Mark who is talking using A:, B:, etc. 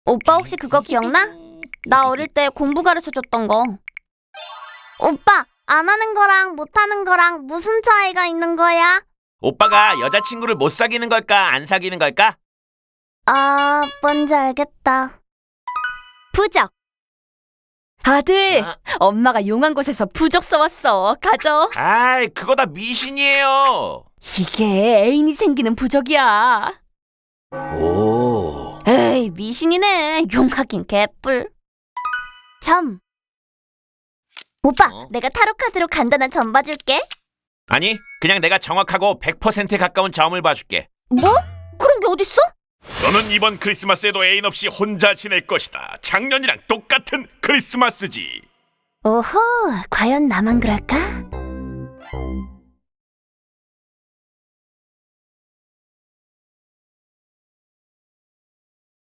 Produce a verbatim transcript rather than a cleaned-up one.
A: 오빠 혹시 그거 기억나? 나 어릴 때 공부 가르쳐줬던 거. 오빠, 안 하는 거랑 못 하는 거랑 무슨 차이가 있는 거야?
B: 오빠가 여자친구를 못 사귀는 걸까, 안 사귀는 걸까?
A: 아, 뭔지 알겠다. 부적.
C: 아들,
B: 아.
C: 엄마가 용한 곳에서 부적 써왔어. 가져.
B: 아이, 그거 다 미신이에요.
C: 이게 애인이 생기는 부적이야.
B: 오.
A: 에이, 미신이네. 용하긴 개뿔. 점. 오빠,
B: 어?
A: 내가 타로 카드로 간단한 점 봐줄게.
B: 아니, 그냥 내가 정확하고 백 퍼센트 가까운 점을 봐줄게.
A: 뭐? 그런 게 어딨어?
D: 너는 이번 크리스마스에도 애인 없이 혼자 지낼 것이다. 작년이랑 똑같은 크리스마스지.
A: 오호, 과연 나만 그럴까?